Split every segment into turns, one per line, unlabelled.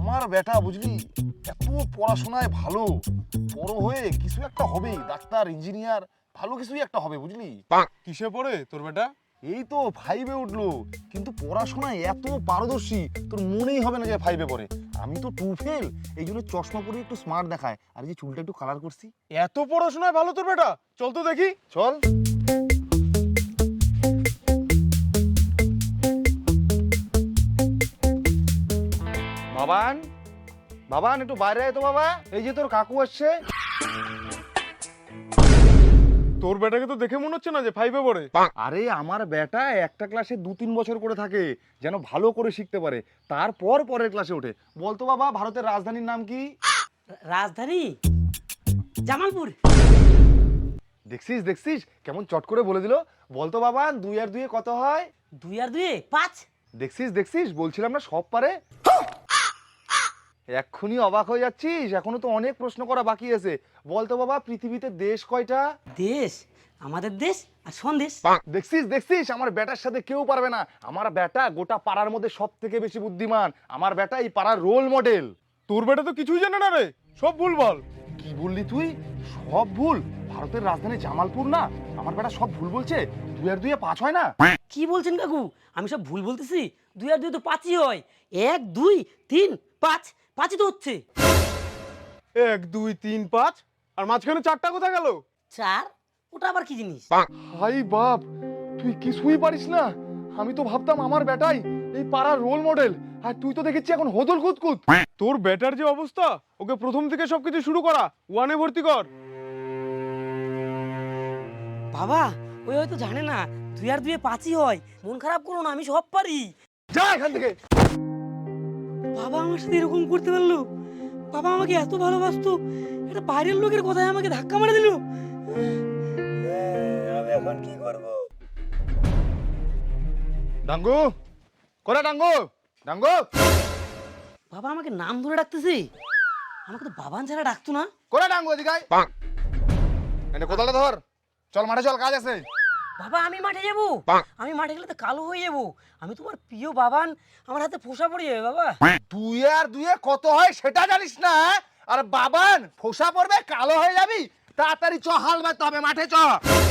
আমার বেটা বুঝলি এত পড়াশোনায় ভালো, বড় হয়ে কিছু একটা হবে, ডাক্তার ইঞ্জিনিয়ার ভালো কিছুই একটা হবে বুঝলি।
কিসে পড়ে তোর বেটা?
এই তো 5-এ উঠলো, কিন্তু পড়াশোনায় এত পারদর্শী তোর মনেই হবে না যে 5-এ পড়ে। আমি তো 2 ফেল, এই জন্য চশমা পরে একটু স্মার্ট দেখায়, আর এই যে চুলটা একটু কালার করছি।
এত পড়াশোনায় ভালো তোর বেটা? চল তো দেখি।
চল। বাবান, বাবান একটু বাইরে আয় তো বাবা, এই যে তোর কাকু আসছে।
তোর বেটাকে তো দেখে মনে হচ্ছে না যে 5-এ পড়ে।
আরে আমার বেটা একটা ক্লাসে 2-3 বছর করে থাকে, যেন ভালো করে শিখতে পারে, তারপর পরের ক্লাসে ওঠে। বলতো বাবা, ভারতের রাজধানীর নাম কি?
রাজধানী জামালপুর।
দেখছিস দেখছিস কেমন চট করে বলে দিল। বলতো বাবা, 2 আর 2 কত হয়?
2 আর 2 5।
দেখছিস দেখছিস, বলছিলাম না সব পারে। এক্ষুনি অবাক হয়ে যাচ্ছিস, এখনো তো অনেক প্রশ্ন করা বাকি আছে। বলতো বাবা, পৃথিবীতে দেশ কয়টা?
দেশ, আমাদের দেশ আর সন্দেশ।
দেখছিস দেখছিস, আমার বেটার সাথে কেউ পারবে না। আমার বেটা গোটা পাড়ার মধ্যে সব থেকে বেশি বুদ্ধিমান। আমার বেটা এই পাড়ার রোল মডেল।
তোর বেটা তো কিছুই জানে না রে, সব ভুল বল।
কি বললি তুই? সব ভুল? ভারতের রাজধানী জামালপুর না? আমার বেটা সব ভুল বলছে। 2 আর 2 5 হয় না?
কি বলছেন কাকু? আমি সব ভুল বলতেছি? 2 আর 2 তো 5ই হয়। 1 2 3 5, 5ই তো হচ্ছে।
1 2 3 5, আর মাঝখানে 4টা কোথায় গেল?
4? ওটা আবার কি জিনিস?
হাই বাপ, তুই কিছুই পারিস না। আমি তো ভাবতাম আমার বেটাই এই পাড়ার রোল মডেল, আর তুই তো দেখেছি এখন হদল কুতকুত।
তোর বেটার যে অবস্থা, ওকে প্রথম থেকে সবকিছু শুরু করা, 1-এ ভর্তি কর।
বাবা, ওই হয়তো জানে না 2 আর 2 5ই হয়। মন খারাপ করো না, আমি সব পারি।
যা এখান থেকে।
বাবা আমার সাথে এরকম করতে পারলো? বাবা আমাকে এত ভালোবাসতো, এটা বাইরের লোকের কথায় আমাকে ধাক্কা মারা দিল। আমি এখন কি করব?
ডাঙ্গু, কোরা ডাঙ্গু, ডাঙ্গু,
বাবা আমাকে নাম ধরে ডাকতেছে। আমাকে তো বাবান ছাড়া ডাকতো না।
কোরা ডাঙ্গু, এদিকে আয়। এনে কোদালটা ধর, চল মাঠে চল, কাজ আছে।
বাবা আমি মাঠে যাব? আমি মাঠে গেলে তো কালো হয়ে যাব। আমি তোমার প্রিয় বাবান, আমার হাতে ফোসা পড়ে যাবে বাবা।
2 আর 2 কত হয় সেটা জানিস না? আর বাবান ফোসা পড়বে, কালো হয়ে যাবি? তাড়াতাড়ি চ, হাল বাঁধতে হবে, মাঠে চ।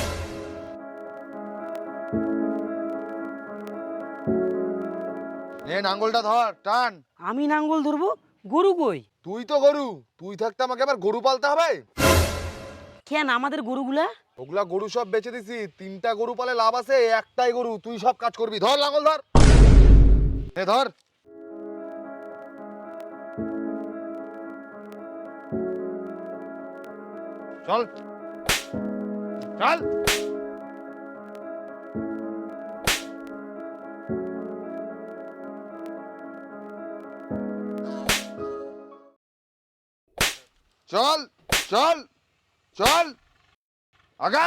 নে নাঙ্গলটা ধর, টান।
আমি নাঙ্গল ধরবো? গরু কই?
তুই তো গরু, তুই থাকতে আমাকে আবার গরু পালতে হবে?
কেন আমাদের গরুগুলা?
ওগুলা গরু সব বেচে দিছি। 3টা গরু পালে লাভ আছে, একটাই গরু, তুই সব কাজ করবি। ধর লাঙ্গল ধর, নে ধর। চল চল। চল চল চল, আগা।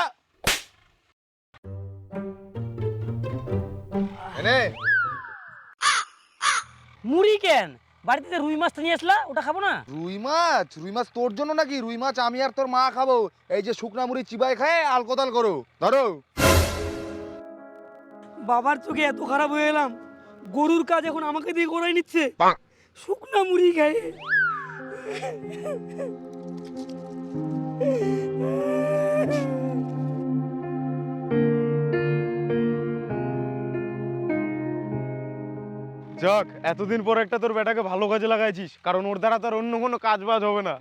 এনে
মুড়ি কেন? বাড়িতে যে রুই মাছটা নিয়ে আসলা, ওটা খাবো না?
রুই মাছ? রুই মাছ তোর জন্য নাকি? রুই মাছ আমি আর তোর মা খাবো। এই যে শুকনা মুড়ি চিবাই খায় আলকোদাল করো, ধরো।
বাবার চোখে এত খারাপ হয়ে গেলাম, গরুর কাজ এখন আমাকে দিয়ে করাই নিচ্ছে শুকনা মুড়ি খায়।
যাক, এতদিন পর একটা তোর বেটাকে ভালো কাজে লাগাইছিস, কারণ ওর দ্বারা তোর অন্য কোনো কাজ বাজ হবে না।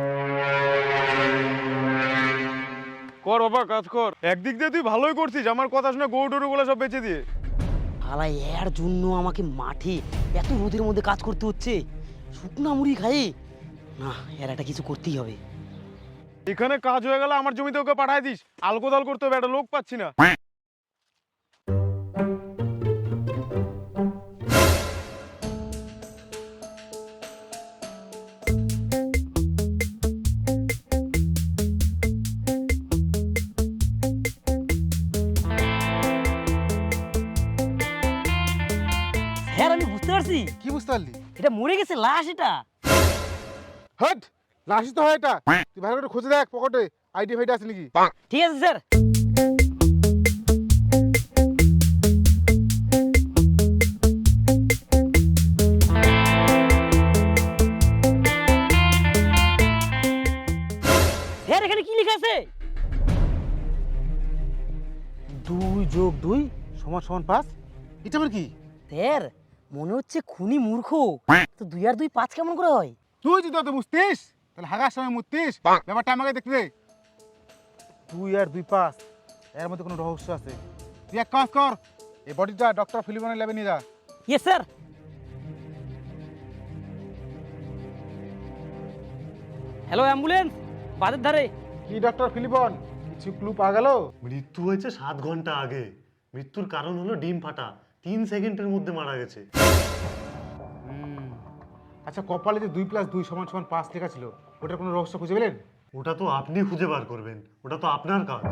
কর বাবা, কাজ কর। একদিক দিয়ে তুই ভালোই করছিস, আমার কথা শুনে গরু টরু গুলো সব বেচে দিয়ে।
আলা এর জন্য আমাকে মাঠে এত রোদের মধ্যে কাজ করতে হচ্ছে, শুকনা মুড়ি খাই না। এর একটা কিছু করতেই হবে।
এখানে কাজ হয়ে গেলে আমার জমিতে ওকে পাঠাই দিস, আলকোদাল করতে হবে, একটা লোক পাচ্ছি না।
হ্যাঁ আমি বুঝতে পারছি,
কি বুঝতে পারলি?
এটা মরে গেছে, লাশ এটা।
হট, লাশি তো হয় এটা। তুই ভালো করে খুঁজে দেখ পকেটে আইডি ফাইডি আছে নাকি।
ঠিক আছে স্যার।
যোগ 2 সমান সমান 5, এটা মানে কি?
স্যার মনে হচ্ছে খুনি মূর্খ। তো 2 আর 2 5 কেমন করে হয়?
তুই যদি অত বুঝতিস তাহলে হাগার সময় মুততিস, ব্যাপারটা আমাকে দেখতে দে। 2 আর 2 5, এর মধ্যে কোনো রহস্য আছে। তুই এক কাজ কর, এই বডিটা ডক্টর ফিলিপনের ল্যাবে নিয়ে যা।
Yes sir. হ্যালো অ্যাম্বুলেন্স, বাদের ধারে।
কি ডক্টর ফিলিপন, কিছু ক্লু পাওয়া গেল?
মৃত্যু হয়েছে 7 ঘন্টা আগে। মৃত্যুর কারণ হলো ডিম ফাটা, 3 সেকেন্ডের মধ্যে মারা গেছে।
আচ্ছা, কপালে যে 2 + 2 সমান সমান 5 লেখা ছিল, ওটার কোনো রহস্য খুঁজে পেলেন?
ওটা তো আপনি খুঁজে বার করবেন, ওটা তো আপনার কাজ।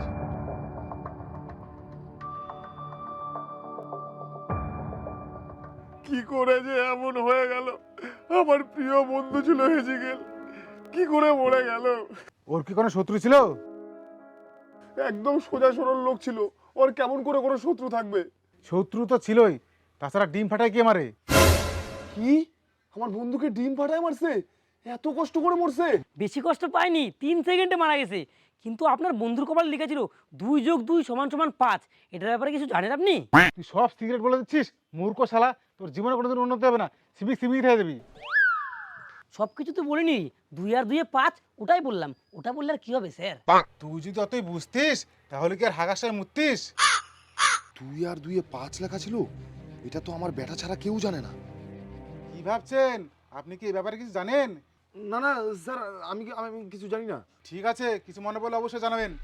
কি করে যে এমন হয়ে গেল? আমার প্রিয় বন্ধু ছিল হেজিগেল, কি করে মরে গেল?
ওর কি কোনো শত্রু ছিল?
একদম সোজা সরল লোক ছিল, ওর কেমন করে কোনো শত্রু থাকবে?
শত্রু তো ছিলই, তাছাড়া ডিম ফাটায় কে মারে?
কি, আমার বন্ধুকে ডিম ফাটায় মারছে? এত কষ্ট করে মরছে?
বেশি কষ্ট পায়নি, 3 সেকেন্ডে মারা গেছে। কিন্তু আপনার বন্ধুর কপালে লেখা ছিল 2 যোগ 2 সমান সমান 5। এটার ব্যাপারে কিছু জানেন আপনি?
তুই সব সিগারেট বলে দিচ্ছিস, মূর্খ শালা। তোর জীবনে কোনোদিন উন্নতি হবে না, সিমিক হয়ে যাবি।
সব কিছু তো বলিনি, 2 আর 2 5, ওটাই বললাম। ওটা বললে আর কি হবে স্যার?
তুই যদি অতই বুঝতিস তাহলে কি আর হাগাসায় মুততিস?
2 আর 2 5 লেখা ছিল, এটা তো আমার বেটা ছাড়া কেউ জানে না।
কি ভাবছেন? আপনি কি এই ব্যাপারে কিছু জানেন?
না না স্যার, আমি কিছু জানি না।
ঠিক আছে, কিছু মনে পড়লে অবশ্যই জানাবেন।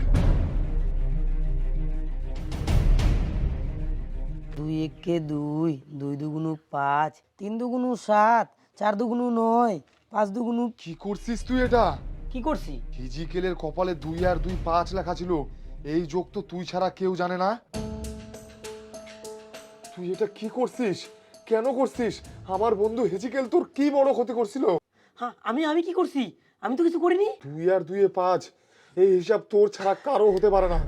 2 1 2, 2 2 5, 3 2 7, 4 2 9, 5 2।
কি করছিস তুই এটা?
কি করছি?
ফিজিক্যালের কপালে 2 আর 2 5 লেখা ছিল, এই যোগ তো তুই ছাড়া কেউ জানে না। তুই এটা কি করছিস? কেন করছিস? আমার বন্ধু হেজিকেল তোর কি বড় ক্ষতি করছিল?
হ্যাঁ, আমি কি করছি? আমি তো কিছু করিনি।
2 আর 2 5, এই হিসাব তোর ছাড়া কারো হতে পারে না।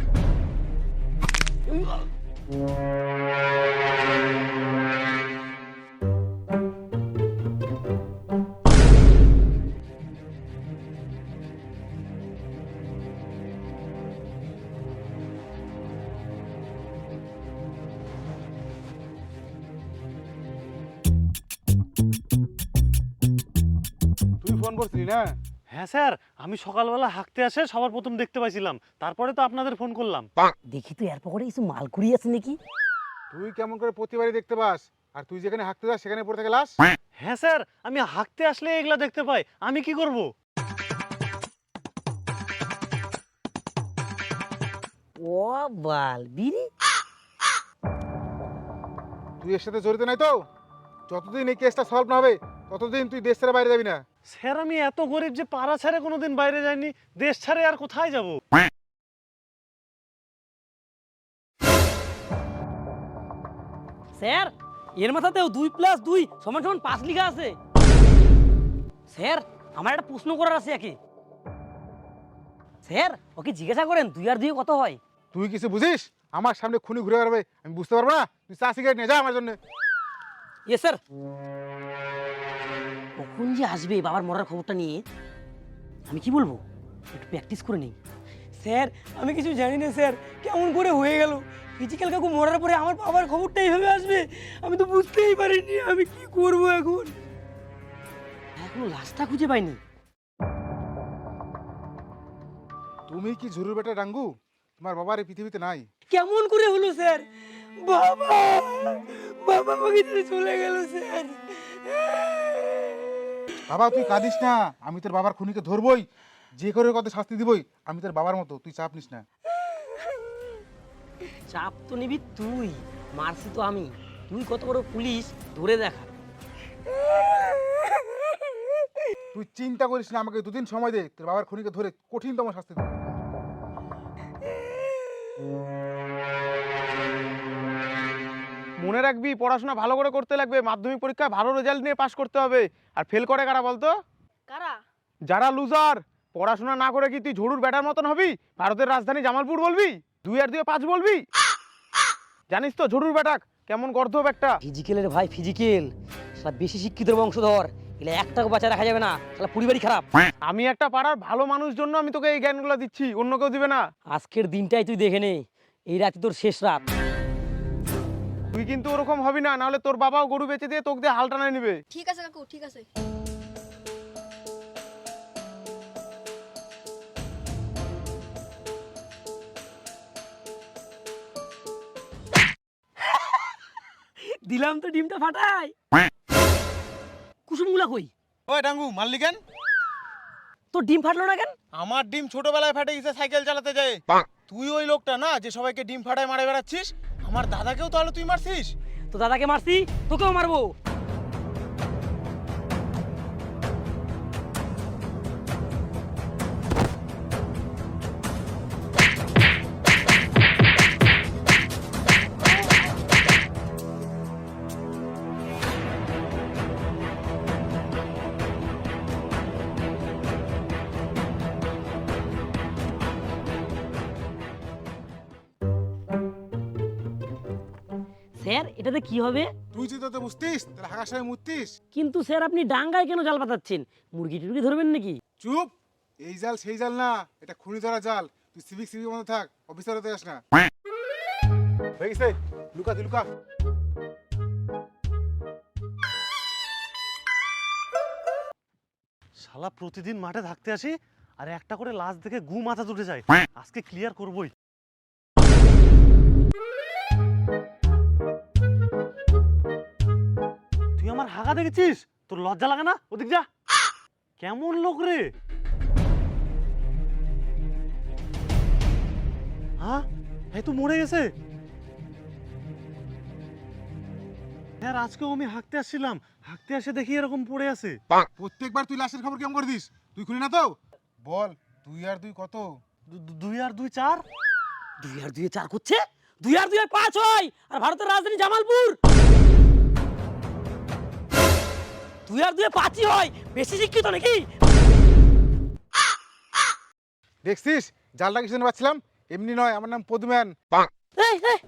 তুই ফোন করছিলি না?
হ্যাঁ স্যার, আমি সকালবেলা হাঁকতে আসে সবার প্রথম দেখতে পাইছিলাম, তারপরে তো আপনাদের ফোন করলাম।
দেখি তো এর পকেটে কিছু মালকুড়ি আছে নাকি।
তুই কেমন করে প্রতিবারই দেখতে পাস, আর তুই যেখানে হাঁকতে যাস সেখানে পড়ে থেকে লাস?
হ্যাঁ স্যার, আমি হাঁকতে আসলে এগুলা দেখতে পাই, আমি কি করব?
ও বাল বিড়ি।
তুই এর সাথে জড়িত নাই তো? যতদিন এই কেসটা সলভ না হবে ততদিন তুই দেশ ছেড়ে বাইরে যাবি না।
স্যার, আমি এত গরিব যে পাড়া ছেড়ে কোনোদিন বাইরে যাইনি, দেশ ছাড়ে আর কোথায় যাব?
স্যার, এর মাথাতেও 2 + 2 সমান সমান 5 লেখা আছে। স্যার, আমার একটা প্রশ্ন করার আছে একে। স্যার, ওকে জিজ্ঞাসা করেন 2 আর 2 কত হয়?
তুই কিছু বুঝিস? আমার সামনে খুনি ঘুরে বেড়াবে, আমি বুঝতে পারবো না? তুই চা সিগারেট নিয়ে যা আমার জন্য।
Yes sir. কখন যে আসবে বাবার মরার খবরটা নিয়ে, আমি কি বলবো? একটু প্র্যাকটিস করে নেই। স্যার, আমি কিছু জানি না স্যার, কেমন করে হয়ে গেল। ফিজিক্যাল কাকু মরার পরে আমার বাবার খবরটা এইভাবে আসবে, আমি তো বুঝতেই পারিনি। আমি কি করব এখন? এখনো লাশটা খুঁজে পাইনি।
তুমি কি ঝুরুর বেটা ডাঙ্গু? তোমার বাবার এই পৃথিবীতে নাই।
কেমন করে হলো স্যার? বাবা, বাবা আমাকে ছেড়ে চলে গেল স্যার।
বাবা তুই কাঁদিস না, আমি তোর বাবার খুনিকে ধরবই, যে করে কত শাস্তি দিবই। আমি তোর বাবার মতো, তুই চাপ নিস না।
চাপ তো নিবি তুই, মারছি তো আমি। তুই কত বড় পুলিশ ধরে দেখা।
তুই চিন্তা করিস না, আমাকে 2 দিন সময় দে, তোর বাবার খুনিকে ধরে কঠিনতম শাস্তি দেব।
মনে রাখবি, পড়াশোনা ভালো করে করতে লাগবে, মাধ্যমিক পরীক্ষায় ভালো রেজাল্ট নিয়ে পাশ করতে হবে। আর ফেল করে কারা বলতো?
কারা?
যারা লুজার। পড়াশোনা না করে কি তুই ঝড়ুর ব্যাটার মতন হবি? ভারতের রাজধানী জামালপুর বলবি? 2 আর 2 5 বলবি? জানিস তো ঝড়ুর ব্যাটাক কেমন গর্ধব একটা?
ফিজিক্যালের ভাই ফিজিক্যাল, সালা বেশি শিক্ষিত বংশধর, এগুলো একটাকে বাঁচা রাখা যাবে না, সালা পরিবারই খারাপ।
আমি একটা পাড়ার ভালো মানুষ জন্য আমি তোকে এই জ্ঞানগুলো দিচ্ছি, অন্য কেউ দিবে না।
আজকের দিনটাই তুই দেখে নে, এই রাতে তোর শেষ রাত।
তুই কিন্তু ওরকম হবি না, নাহলে তোর বাবাও গরু বেচে দিয়ে তোকে দিয়ে হাল টানায় নিবে।
ঠিক আছে কাকু, ঠিক আছে।
দিলাম তো ডিমটা ফাটাই। কুসুমগুলা কই?
ওই ডাঙ্গু, মারলি কেন?
তোর ডিম ফাটলো না কেন?
আমার ডিম ছোটবেলায় ফাটে গেছে সাইকেল চালাতে যায়। তুই ওই লোকটা না যে সবাইকে ডিম ফাটায় মারে বেড়াচ্ছিস? আমার দাদাকেও তাহলে তুই মারছিস?
তো দাদাকে মারছি, তোকেও মারবো। স্যার এটাতে কি হবে?
তুই যদি তো বুঝতিস তাহলে হাগার সময় মুততিস।
কিন্তু স্যার আপনি ডাঙ্গায় কেন জাল পাতাচ্ছেন? মুরগি টুরগি ধরবেন নাকি?
চুপ, এই জাল সেই জাল না, এটা খুনি ধরা জাল। তুই সিভিক মধ্যে থাক, অফিসার হতে যাস না। হয়ে গেছে, লুকা তুই লুকা।
শালা প্রতিদিন মাঠে থাকতে আসি আর একটা করে লাশ দেখে গু মাথা উঠে যায়। আজকে ক্লিয়ার করবই। তুই আমার হাগা দেখেছিস? তোর লজ্জা লাগে না? ওদিক যা। কেমন লোক রে? হ্যাঁ, এই তো মরে গেছে। আর আজকেও আমি হাঁকতে আসছিলাম, হাঁকতে আসে দেখি এরকম পড়ে আছে।
প্রত্যেকবার তুই লাশের খবর কেমন করে দিস? তুই খুলি না তো? বল, 2 আর 2 কত?
2 আর 2 4।
2 আর 2 4 করছে? 2 আর 2 5 হয়। আর ভারতের রাজধানী জামালপুর। 2 আর 2 5ই হয়। বেশি শিক্ষিত নাকি?
দেখছিস জালটা কিছু পাচ্ছিলাম? এমনি নয়, আমার নাম পদুম্যান।
এই, এই,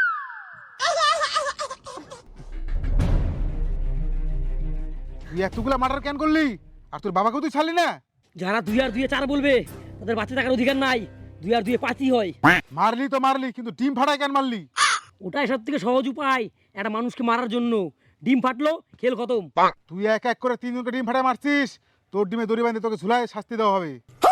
তুই এতগুলা মার্ডার কেন করলি? আর তোর বাবাকেও তুই ছাড়লি না?
যারা 2 আর 2 4 বলবে তাদের বাঁচে থাকার অধিকার নাই। 2 আর 2 5ই হয়।
মারলি তো মারলি, কিন্তু ডিম ফাটায় কেন মারলি?
ওটাই সব থেকে সহজ উপায় একটা মানুষকে মারার জন্য। ডিম ফাটলো, খেল খতম।
তুই এক এক করে 3 জনকে ডিম ফাটায় মারছিস। তোর ডিমে দড়ি বাঁধে তোকে ঝুলায় শাস্তি দেওয়া হবে।